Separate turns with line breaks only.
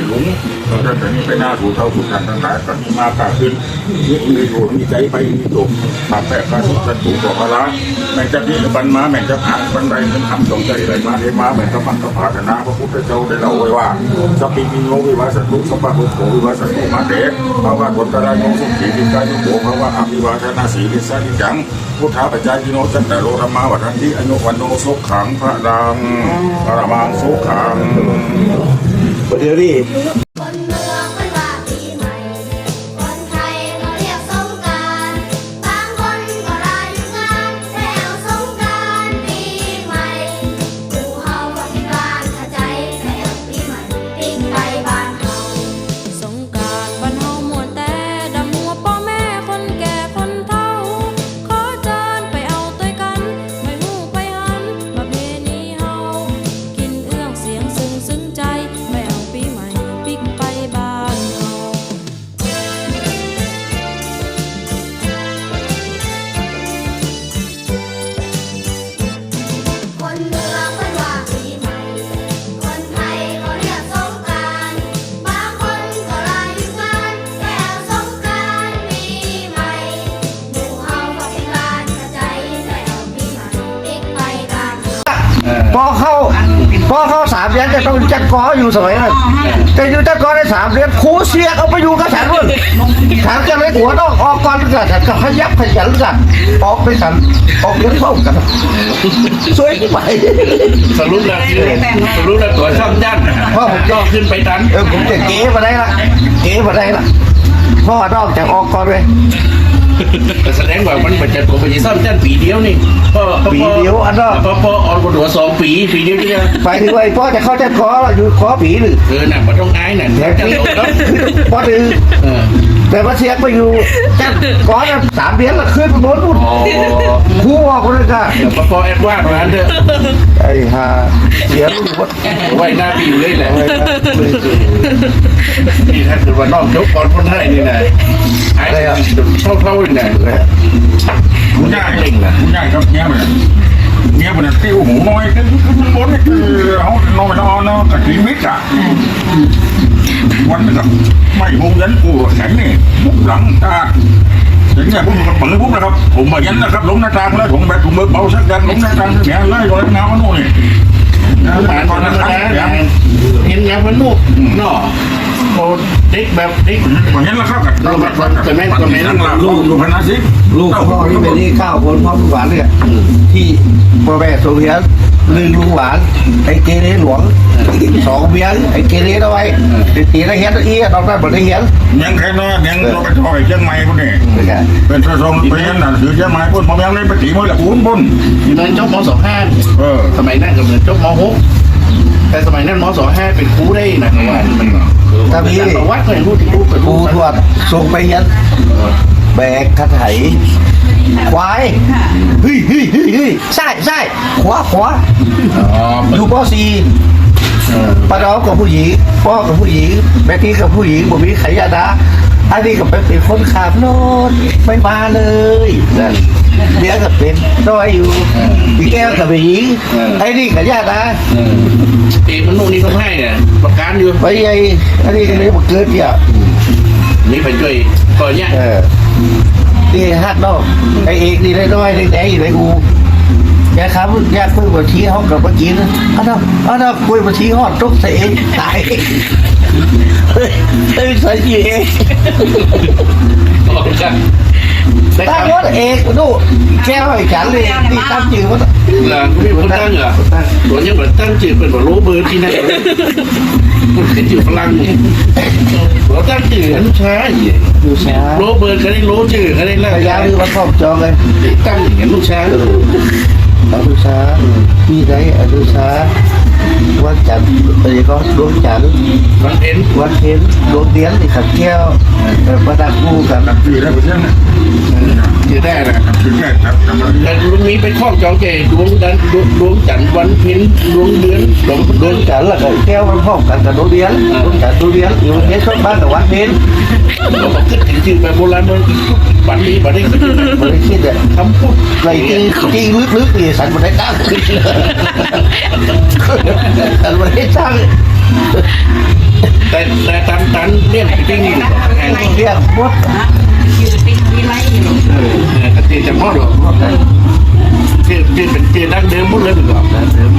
ลุงเราจะแต่นี้ไปหน้าถูเท่าถูกันทั้งหลายก็มีมากขึ้นมีอยู่มีใจไปมีจบมาแปะกระสุนกระถูกบอกอะไรแม่งจะที่บันมาแม่งจะผ่านบันไดเป็นคำตรงใจอะไรมาได้มาแม่งก็มันก็ผ่านนะพระพุทธเจ้าได้เล่าไว้ว่าสัพพิมิโนวิวาสตุสัพพะโขวิวาสตุมาเดชภาวะกตระโยสุขีวิกายุโภภาวะอภิวาทนาสีลิสานิจังพุทธาปัจจายโนจันตโรธรรมาวัฏันติอโยวันโนสุขังพระดังปรมังสุขัง
ประเดี๋ยวนี้
คนเมืองไม่ว่าปีใหม่คนไทยเขาเรียกสงกรานต์บางคนก็ลาหยุดงานแล้วสงกรานต์ปีใหม่หมู่เฮาก็ที่บ้านเข้าใจแล้วปีใหม่ปีไปบ้านเฮา
สงกรานต์บ้านเฮาม่วนแต่ดำหัวพ่อแม่คนแก่คนเฒ่าขอเชิญไปเอาต้วยกันไม่หู้ไปหันประเพณีเฮากินเอื้องเสียงซึ้งใจไม่เอาปีใหม่ปิกไปบ้านเฮา
คนเมืองไม่ว่าปีใหม่คนไทยเขาเรียกสงกรานต์บางคนก็ลาหยุดงานแล้วสงกรานต์ปีใหม่หมู่เฮาก็ที่บ้านเข้าใจแล้วปีใหม่ปีไปบ้านเฮา
พอเข้า3 เดือนจะต้องจัดกออยู่สมัยนั้นแต่อยู่จัดกอได้3 เดือนครูเสียเอาไปอยู่กับฉันด้วยถามจะเลยหัวต้องออกก่อนกันฉันก็ขยับขยันกันออกไปฉันออกเลี้ยงเข้ากันสวยที่ไป
สรุปแล้วตัวช่องยันพ่อผมย่อขึ้นไปดัน
ผมจะเก๋มาได้ละพ่อนอกจากออกก่อนเลย
แสดงว่ามันเป็นจะผมไปซ่อมยันปีเดียวนี่
ปีเดียวอันนั้น
พอออนกว่า2 ปีเดียวเนี่ย
ไปถึงไอ้พ่อจะเข้าจัดกออยู่ขอผีหรือ
น่ะมันต้องอายน่ะ
แต่ที่พ่อดื้อแต่ว่าเสียไปอยู่จัดกอจะ3 เดือนละขึ้นบนนู้นครูออกเลยค่ะ
พอแอดวานมาเถอะ
ไอ้ห่าเสียลูกวัด
ไว้หน้าปีเลยแหละนี่ถ้าเกิดว่านอกยกก่อนคนไทยนี่นะไอ้เท่านี่นะ
คุณย่าคุณย่าครับเนี้ยมันติ้วหมูน้อยขึ้นมันบนนี่คือเขานอนเนาะแต่ชีวิตอ่ะวันนี้ไม่มุงยันกูแข็งนี่มุกหลังตาอย่างเงี้ยผมก็เปิดปุ๊บนะครับผมมายันนะครับลงหน้าต่างแล้วผมแบบผมเบาสักยันลงหน้าต่างเนี่ยเลยลอยน้ำมันนู่นนี่
ผ่านตอนนั้นนะเห็นยังมันนุกเนาะโอ้เด็กแบบเด็ก
อย่างนี้แล้วครับแต่แม่นั่งหลับลูกพนัสสิ
ลูกพ่อที่เป็นที่9 คนพ่อหวานเนี่ยที่พ่อแม่ส่งเรียน1 ลุงหวานไอ้เกเรหลวง2 เบี้ยไอ้เกเรเอาไว้ตีได้เห็นอีดอกได้บ่ได้เห็น
ยังแค่นั้นยังเราไปถอยเชียงใหม่คนนี้เป็นทรงไปยันน่ะถือเชียงใหม่คนพอยังได้ไปตีมวยละอุ้นบน
อยู่ในจบม.25สมัยนั้นก็เหมือนจบม.6แต่สมัยนั้นม.25เป็นครูได้นะว่า
ถ้ามี
วัดเลยรู้ที่รู้เป็น
ครูทวดส่งไปยันแบกกระไถควายเฮ้ยใช่ขวาอยู่ป.4ป้าน้องกับผู้หญิงพ่อกับผู้หญิงแม่ที่กับผู้หญิงบ่มีใครยาดาอันนี้ก็เป็นคนขับรถไม่มาเลยนั่นเดี๋ยวก็เป็นน้อยอยู่พี่แก้วกับผู้หญิงไอ้นี่กับญาตินะ
มันนู่นนี่ก็ให้เนี่ยประกันอยู่
ไปไอ้อันนี้ก็เลยมาเกิดเนี่ย
นี่ไปช่วยก่อนเนี่ย
นี่ฮักนอกไอ้เอกนี่ได้น้อยได้อยู่ในกูแกครับแกคุยมาชี้ห้องกับเมื่อกี้นะอันนั้นคุยมาชี้ห้องทุกเสียงตายเฮ้ยใส่ยีเองตั้งรถเอกดูแก้วให้ฉันเลยที่ตั้งจืดว่า
หลังก็มีคนตั้งเหรอตัวนี้เหมือนตั้งจืดเป็นแบบโรเบิร์ตที่นั่นมันเป็นจืดพลังเราตั้งจืดลูกช้า
ลูกช้า
โรเบิร์ตเขาได้โรจืดเขาได้แล้ว
ยาคือวันพ่อจองเลย
ตั้งอย่างลูกช้า
ลูกช้าพี่ได้ลูกช้าวันจันทร์อะไรก็ดวงจันทร์
วันเพ็ญ
ดวงเดือนที่ขัดแก้วประดับคู่กัน
ปีแล้วเพื่อน
จะได้นะแต่ลุงนี้ไปคล้องจองเจดวงจันทร์วันเพ็ญดวงเดือน
ดวงจันทร์แล้วก็แก้วมันพร้อมกันกับดวงเดือนดวงจันทร์ดวงเดือนอยู่ในช่วงบ้านกับวันเพ็ญ
เราบอกขึ้นถึงจืดแบบโบราณมันบันนี้บันนี้
คิดเนี่ย
คำพูด
อะไรจริงลึกๆนี่สันมันได้ตั้งสันมันได้ตั้ง
แต่ตันเลี้ยงจริงนี่แห้ง
เรียกบด
แต่ตีจะพ่อหรอกที่เป็นตีดั้งเดิมหมดเลยดีกว่า
เดิม